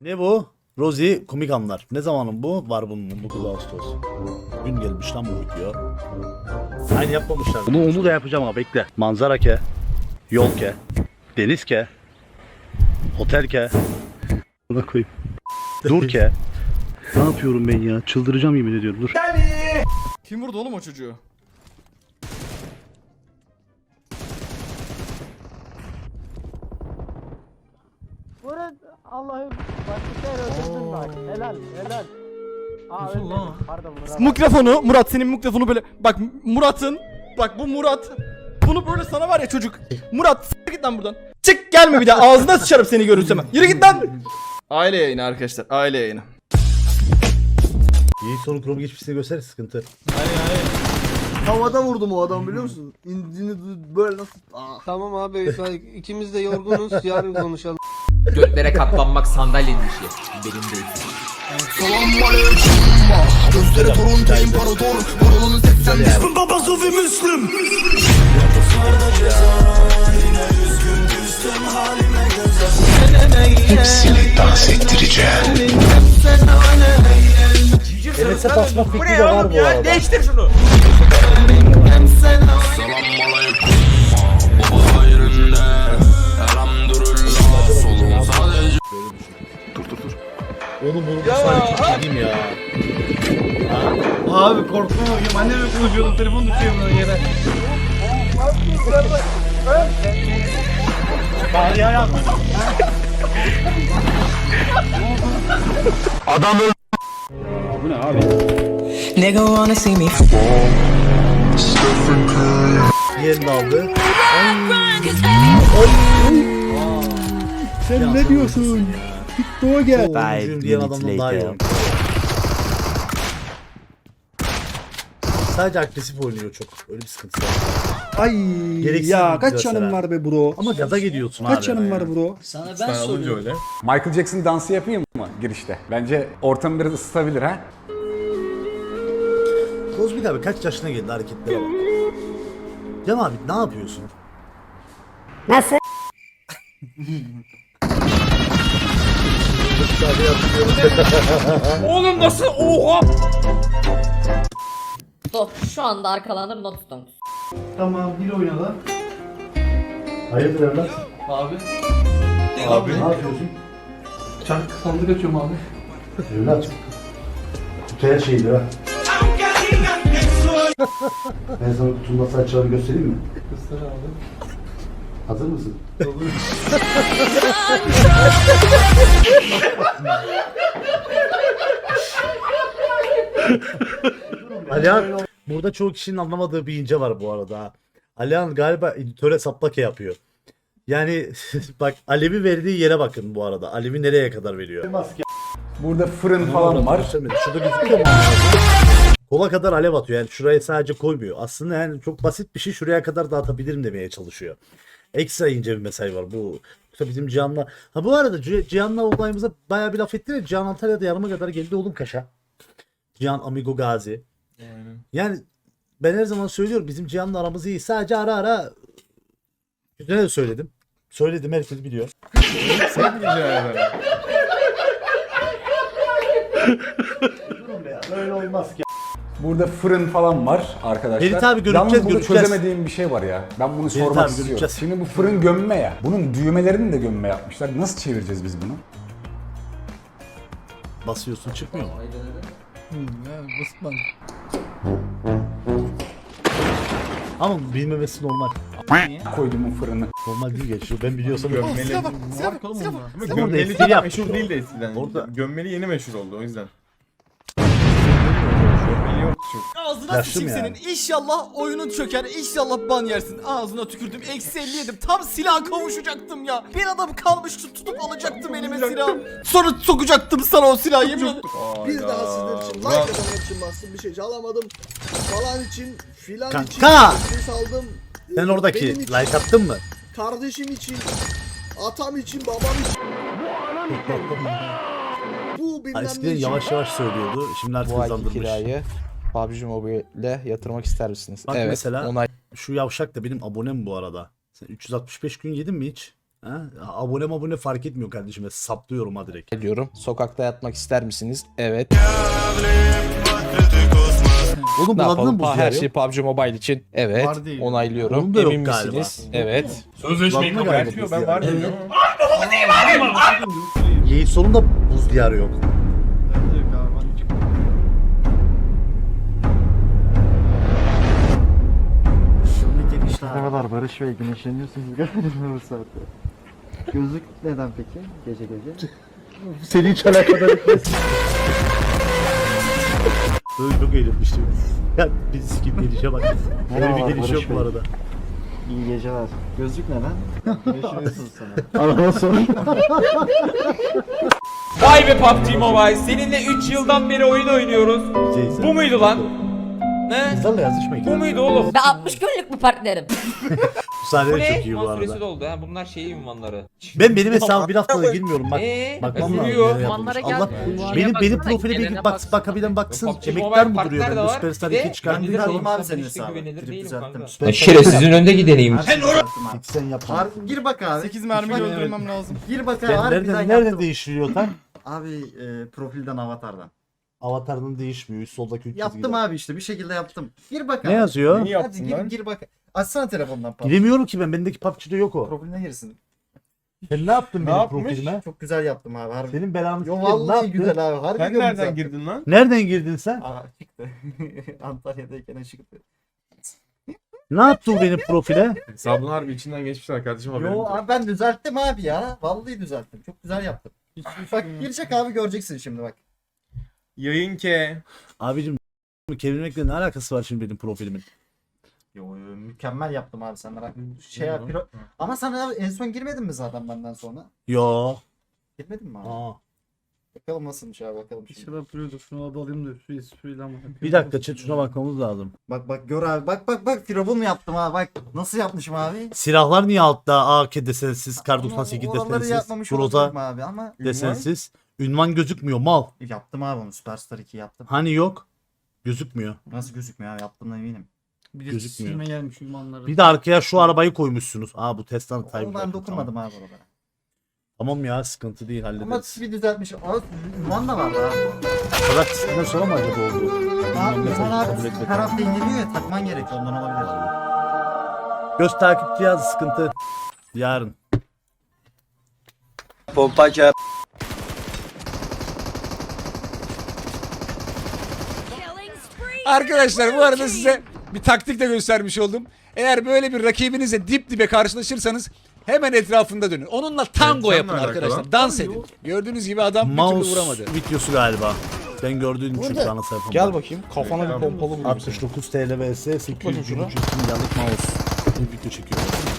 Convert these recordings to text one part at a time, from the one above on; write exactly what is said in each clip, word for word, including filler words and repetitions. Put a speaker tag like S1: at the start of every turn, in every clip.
S1: Ne bu? Rosie komik anlar. Ne zamanın bu? Var bunun dokuz Ağustos. Gün gelmiş lan bu video. Aynı yapmamışlar. Bunu onu da yapacağım ama bekle. Manzara ke. Yol ke. Deniz ke. Otel ke. Buna koyayım. Dur ke. Ne yapıyorum ben ya? Çıldıracağım yemin ediyorum. Dur.
S2: Kim vurdu oğlum o çocuğu?
S3: Vurun Allah'ım. Başka öldürdün bak. Helal helal. Aa
S2: Nasıl
S3: öldürdüm.
S2: lan?
S3: Pardon Murat.
S2: Mikrofonu Murat, senin mikrofonu böyle bak, Murat'ın bak, bu Murat bunu böyle sana var ya çocuk. Murat s**t git lan buradan. Çık, gelme bir daha, ağzına sıçarım seni görürsem. Yürü git lan. Aile yayını arkadaşlar, aile yayını.
S1: İyi soru kurumu geçmişini gösterir sıkıntı.
S4: Havada vurdum o adam biliyor musun? İndini böyle nasıl? Aa.
S5: Tamam abi, ikimiz de yorgunuz, yarın konuşalım.
S6: Göklere katlanmak sandalyenin işi. Benim değil.
S4: Gözleri torunca imparator. Burulunun seksen beş babası ve Müslüm.
S7: Hepsini dans ettireceğim.
S1: Enes'e basmak fikri de var bu arada.
S6: Değiştir şunu.
S1: Dur dur dur. Oğlum bunu ya, sanki gideyim ya.
S4: Abi korkma bakayım. Annemle konuşuyordum. Telefon düşüyor böyle yere.
S1: Bari ya. Adam öldü. Bu ne abi?
S8: Nigga wanna see me.
S1: Yerini aldı. Sen ne diyorsun? TikTok'a gel. Five diyen adamdan daha iyi. Sadece agresif oynuyor çok. Öyle bir sıkıntı var.
S9: Ay
S1: Gereksiz
S9: ya
S1: bir
S9: kaç
S1: mesela.
S9: canım var be bro?
S1: Ama gaza gidiyorsun abi.
S9: Kaç canım var bro?
S8: Sana ben soruyorum.
S10: Michael Jackson dansı yapayım mı girişte? Bence ortamı biraz ısıtabilir ha.
S1: Kozmik abi kaç yaşına geldi, hareketlere bak. Cem abi ne yapıyorsun?
S3: Nasıl?
S6: Oğlum nasıl? Oha!
S11: Stop. Şu anda arkalandım, not don't.
S9: Tamam dil oynadı.
S1: Hayırdır evlat?
S2: Abi.
S1: Abi ne yapıyorsun?
S2: Çark sandık açıyorum abi.
S1: Evlat. Kutu her şeydi ha. Ben sana kutunun nasıl açacağını göstereyim mi?
S2: Göster abi.
S1: Hazır mısın? Alihan, burada çoğu kişinin anlamadığı bir ince var bu arada. ha. Alihan galiba editöre saplake yapıyor. Yani bak, Alev'i verdiği yere bakın bu arada. Alev'i nereye kadar veriyor?
S10: Burada fırın falan var.
S1: Şurada gözüküyor mu? Kola kadar alev atıyor. Yani şuraya sadece koymuyor. Aslında yani çok basit bir şey, şuraya kadar dağıtabilirim demeye çalışıyor. Ekstra ince bir mesaj var bu. Yoksa bizim Cihan'la... Ha bu arada Ci- Cihan'la olayımıza bayağı bir laf ettiler. Cihan Antalya'da yarıma kadar geldi oğlum Kaş'a. Cihan Amigo Gazi.
S2: Aynen.
S1: Yani ben her zaman söylüyorum, bizim Cihan'la aramız iyi. Sadece ara ara Güzel de söyledim. Söyledim, herkes biliyor.
S2: Sen diyeceksin.
S1: Böyle olmaz ki.
S10: Burada fırın falan var arkadaşlar.
S1: Ferit abi göreceğiz,
S10: Yalnız burada
S1: göreceğiz.
S10: çözemediğim bir şey var ya. Ben bunu
S1: Ferit
S10: sormak
S1: abi
S10: istiyorum.
S1: göreceğiz.
S10: Şimdi bu fırın gömme ya. Bunun düğmelerini de gömme yapmışlar. Nasıl çevireceğiz biz bunu?
S1: Basıyorsun, çıkmıyor mu?
S2: Basman.
S1: Ama bilmemesi normal.
S10: Koyduğumun fırını.
S1: Normal değil geçiyor. Ben biliyorsam
S2: Gömmeli.
S1: Silah bak,
S2: Silah bak oğlum bunda.
S1: Ama
S12: Gömmeli
S1: gömmeli
S12: çok
S1: yapmış
S12: meşhur
S1: o.
S12: değil de eskiden.
S1: Orada-
S12: Gömmeli yeni meşhur oldu o yüzden. Gömmeli yok çok.
S2: Ağzına
S1: Yaşlı
S2: sıçayım
S1: mı
S2: senin.
S1: yani?
S2: İnşallah oyunun çöker. İnşallah ban yersin. Ağzına tükürdüm. Eksi elli yedim. Tam silah kavuşacaktım ya. Bir adam kalmıştı, tutup alacaktım elime silahı. Sonra sokacaktım sana o silahı, yemin ederim.
S4: Bir daha sizler için, like atanlar için bastım, bir şey çalamadım. Falan için, filan için,
S1: Kanka!
S4: ses aldım.
S1: Sen oradaki
S4: Benim için,
S1: like attın mı?
S4: kardeşim için, atam için, babam için. Bu bilmem ne
S1: Eskiden
S4: için.
S1: yavaş yavaş söylüyordu. Şimdi artık
S5: Bu ayki
S1: hızlandırmış.
S5: kirayı P U B G Mobile'le yatırmak ister misiniz?
S1: Bak
S5: evet.
S1: mesela
S5: Onay.
S1: şu yavşak da benim abonem bu arada. Sen üç yüz altmış beş gün yedin mi hiç? Ha? Abone abone fark etmiyor kardeşim. Saplıyorum ha direkt.
S5: Diyorum. Sokakta yatmak ister misiniz? Evet.
S1: Oğlum
S5: Ne
S1: bu adını
S5: yapalım?
S1: buz
S5: Pa-
S1: yer
S5: Her
S1: yok.
S5: şey P U B G Mobile için. Evet.
S9: Var değil.
S5: Onaylıyorum.
S1: Onun da yok
S5: Emin
S1: galiba.
S5: misiniz? Evet.
S12: Sözleşmeyi
S1: Bakma
S12: kabul
S1: galiba
S12: etmiyor.
S1: biz
S12: Ben
S1: ya.
S12: var diyorum.
S1: Yiğit sonunda buz diyarı yok.
S3: Merhabalar Barış Bey, güneşleniyorsunuz galiba bu saatte. Gözlük neden peki gece gece?
S1: Seni hiç alakadar etmez. Böyle çok eğlenmiştim. Ya biz sikim gelişe bak. Böyle bir
S3: Merhaba,
S1: geliş yok
S3: Barış
S1: bu
S3: Bey.
S1: arada.
S3: İyi geceler. Gözlük neden? Güneşleniyorsunuz sana. Araba sor.
S6: Vay be P U B G Mobile. Seninle üç yıldan beri oyun oynuyoruz.
S1: Şeyse.
S6: Bu muydu lan? Ne?
S1: Kızlarla yazışmayın.
S6: Bu muydu oğlum?
S11: Ben altmış günlük mü partnerim?
S1: Bu
S6: Bu
S1: sahneler
S6: ne?
S1: çok iyi bu
S6: Ünvan süresi
S1: arada.
S6: doldu ha. Bunlar şey ünvanları.
S1: Ben benim hesabı bir haftada girmiyorum bak.
S6: Eee?
S1: Bakmam
S6: E,
S1: lazım.
S6: sürüyor.
S1: nereye yapılmış. Allah benim benim profile bir bak bakabilen baksın.
S6: P U B G
S1: Emekler
S6: Mobile
S1: mi duruyor
S6: partner de
S1: bende?
S6: var.
S1: Süperstar
S6: Bir de
S1: iki çıkarttığı
S6: güvenilir
S1: zaman.
S6: değilim.
S3: abi senin
S6: Hiç de
S3: hesabı.
S6: güvenilir
S3: Trip
S6: değilim
S3: düzelttim.
S6: kanka.
S3: Süper-
S6: Şerefsizin önde gideneyim.
S1: Hiç sen yapma.
S3: Gir bak abi.
S2: sekiz mermi öldürmem lazım.
S3: Gir bak abi.
S1: Ben
S3: harbiden
S1: nereden,
S3: yaptım.
S1: nereden değiştiriyor tam?
S3: Abi e, profilden avatardan.
S1: Avatarının değişmiyor. Üst soldaki üç
S3: Yaptım
S1: çizgide.
S3: abi işte bir şekilde yaptım. Gir bak abi.
S1: Ne yazıyor?
S12: Neyi
S3: Hadi
S12: yaptın
S3: gir,
S12: lan?
S3: gir bak. Açsana telefondan Pablo.
S1: Giremiyorum ki ben. Bendeki P U B G'de yok o.
S3: Profiline girsin.
S1: Sen ne yaptın
S12: Ne
S1: benim
S12: yapmış?
S1: profilime?
S3: Çok güzel yaptım abi. Harbi.
S1: Senin belanı
S3: Yo
S1: sikeyim. Ne
S3: vallahi
S1: yaptın?
S3: güzel abi. Harbi
S12: Sen
S3: diyorum
S12: nereden
S3: zaten.
S12: girdin lan?
S1: Nereden girdin sen?
S3: Aa çıktı. Antalya'dayken çıktı.
S1: Ne yaptı o benim profile?
S12: Hesabın harbi içinden geçmişler kardeşim haberin
S3: Yo
S12: yok.
S3: abi ben düzelttim abi ya. Vallahi düzelttim. Çok güzel yaptım. Bak girecek abi göreceksin şimdi bak.
S12: Yayın ke.
S1: Abicim kelimekle ne alakası var şimdi benim profilimin?
S3: Yo, yo mükemmel yaptım abi sen merak şey yap. piro- Ama sen abi en son girmedin mi zaten benden sonra?
S1: Yo.
S3: Girmedin mi abi?
S1: Aa.
S3: Bakalım nasılmış abi bakalım şimdi.
S9: İnşallah yapıyordur. Şunu adı alayım da şu espriyle ama.
S1: Bir dakika chat şuna bakmamız lazım.
S3: Bak bak gör abi bak bak bak firavun mu yaptım abi bak nasıl yapmışım abi.
S1: Silahlar niye altta? A K desensiz, Kar doksan sekiz
S3: Oraları
S1: desensiz,
S3: yapmamış olabilirim
S1: Groza
S3: abi ama
S1: desensiz. Ünvan gözükmüyor mal.
S3: yaptım abi onu Superstar iki yaptım.
S1: Hani yok? Gözükmüyor.
S3: Nasıl gözükmüyor abi yaptığımdan eminim.
S9: Bir de
S1: Gözükmüyor.
S9: silme gelmiş ünvanları.
S1: Bir de arkaya şu arabayı koymuşsunuz. Aa bu Tesla'nın
S3: Onu
S1: Type.
S3: ben dokunmadım abi orada.
S1: Tamam ya sıkıntı değil
S3: Ama
S1: hallederiz.
S3: bir düzeltmiş. Aa, Ünvan da vardı abi.
S1: Kadar kısmından sonra mı acaba oldu?
S3: Abi
S1: Ünvan
S3: Ünvan
S1: mesajı kabul
S3: abi
S1: etmedi.
S3: her hafta indiriliyor ya takman gerekiyor ondan olabilir.
S1: Göz takip cihazı sıkıntı. Yarın.
S5: Pompaça. Arkadaşlar bu arada size bir taktik de göstermiş oldum. Eğer böyle bir rakibinizle dip dibe karşılaşırsanız hemen etrafında dönün. Onunla tango
S12: Evet,
S5: yapın
S12: seninle
S5: arkadaşlar.
S12: alakalı.
S5: Dans edin. Gördüğünüz gibi adam bir türlü
S1: Mouse
S5: vuramadı.
S1: videosu galiba. Ben gördüğüm için
S5: Burada.
S1: bana sayfamda.
S5: Gel bakayım. Kafana bir pompalı vurayım.
S1: altmış dokuz TL vs sekiz
S5: bakayım
S1: yüz
S5: şunu.
S1: milyarlık mouse. Bir video çekiyor.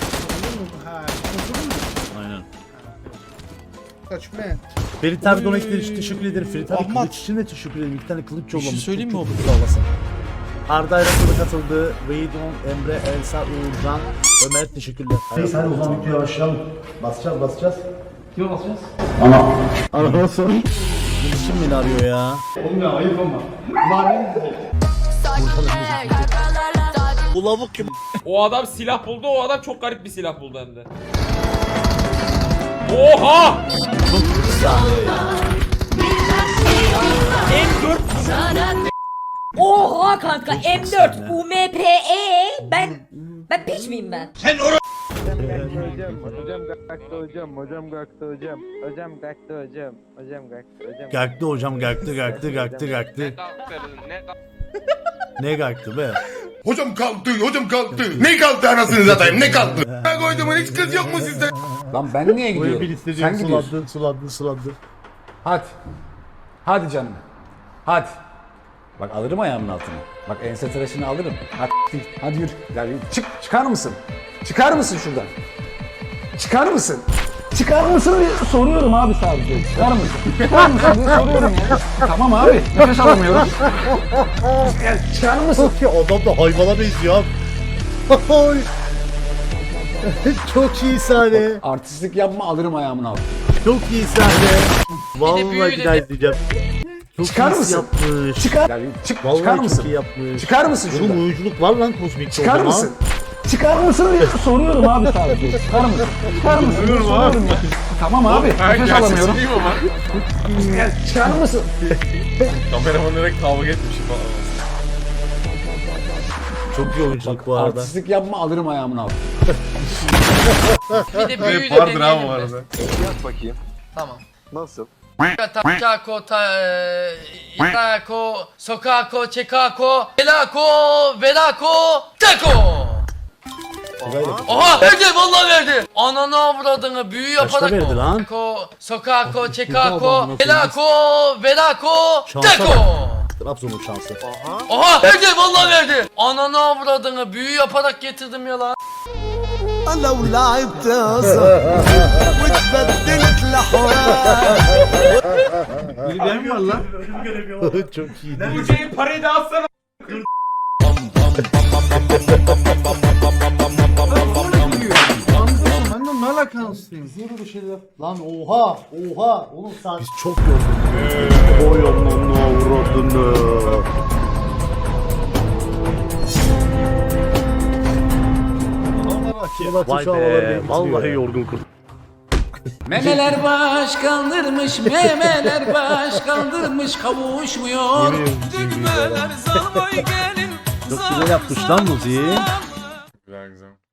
S1: Aynen.
S9: Kaç be.
S1: Ferit abi donetler için teşekkür ederim. Ferit abi kılıç için de teşekkür ederim. İki tane kılıç yollamış.
S5: şey söyleyeyim
S1: Çok
S5: mi
S1: çok sağ olasın. Arda Ayraklı'da katıldı. Veydon, Emre, Elsa, Uğurcan, Ömer teşekkürler. Neyse hadi o zaman videoya başlayalım. Basacağız basacağız.
S9: Kime basacağız?
S3: Araba sor.
S1: Kim beni arıyor ya?
S9: Oğlum ya ayıp ama.
S1: Bu lavuk kim?
S6: O adam silah buldu. O adam çok garip bir silah buldu hem de. Oha! M dört
S11: Oha kanka M dört U M P E ben ben piç miyim ben?
S1: Gaktı hocam gaktı gaktı gaktı gaktı. Ne gaktı be?
S7: Hocam kalktı, hocam kalktı. Ne kalktı anasını satayım, ne kalktı? Ben koyduğumun hiç kız yok mu sizde?
S10: Lan ben niye
S1: Buraya
S10: gidiyorum?
S1: bir
S10: Sen
S1: istediğim
S10: gidiyorsun.
S1: sulandı sulandı sulandı.
S10: Hadi. Hadi canım. Hadi. Bak alırım ayağımın altına. Bak ense tıraşını alırım. Hadi, hadi yürü. Ya yürü. Çık, çıkar mısın? Çıkar mısın şuradan? Çıkar mısın? Çıkar mısın diye soruyorum abi sadece. Çıkar mısın? Çıkar mısın diye soruyorum ya. Tamam abi. Nefes alamıyorum. Ya, çıkar mısın?
S1: Ki adam da hayvana benziyor. Oy. Çok iyi sahne.
S10: Artistlik yapma alırım ayağımın altına.
S1: Çok iyi sahne. Vallahi bir daha izleyeceğim. Çok
S10: Çıkar
S1: iyisi
S10: mısın?
S1: yapmış.
S10: Çıkar. Ya, yürü. Çık,
S1: Vallahi
S10: çıkar
S1: çok
S10: mısın?
S1: iyi yapmış.
S10: Çıkar mısın şuradan?
S1: Oğlum oyunculuk var lan kozmikte
S10: Çıkar
S1: o zaman.
S10: mısın? Çıkar mısın diye soruyorum abi sadece. Çıkar mısın? Çıkar mısın? Soruyorum abi. Ya. Tamam abi. Nefes alamıyorum. Ya, çıkar mısın?
S12: Kameramanlara kavga etmişim falan.
S1: Çok iyi oyunculuk bu arada.
S10: Artistlik yapma alırım ayağımın altına.
S6: Bir de büyüğü de
S12: Vardır abi bu
S6: deneyelim mi?
S12: arada.
S13: Yat bakayım.
S6: Tamam.
S13: Nasıl?
S6: Taçako, ta, itako, sokako, çekako, belako, velako, tako. Oha verdi vallahi verdi. Ananı avradını büyü
S1: Kaçta
S6: yaparak.
S1: verdi lan?
S6: Tako, sokako, çekako,
S1: Allah'ım,
S6: belako, velako,
S1: Şansa
S6: tako.
S1: Trabzon'un şansı.
S6: Oha verdi vallahi verdi. Ananı avradını büyü yaparak getirdim ya lan.
S4: لو لعبت واتبدلت لحوار.
S9: Ben mi var lan?
S1: Çok iyi.
S12: Bu şeyin parayı da alsana.
S9: Benden ne alakalısıyım?
S1: Lan oha oha oğlum sen. Biz çok yorulduk. Oy onun avradını. Vay be vallahi yorgun kurt.
S10: Memeler baş kaldırmış, memeler baş kaldırmış, kavuşmuyor.
S1: Çok güzel yapmış lan müziği.
S12: Güzel güzel.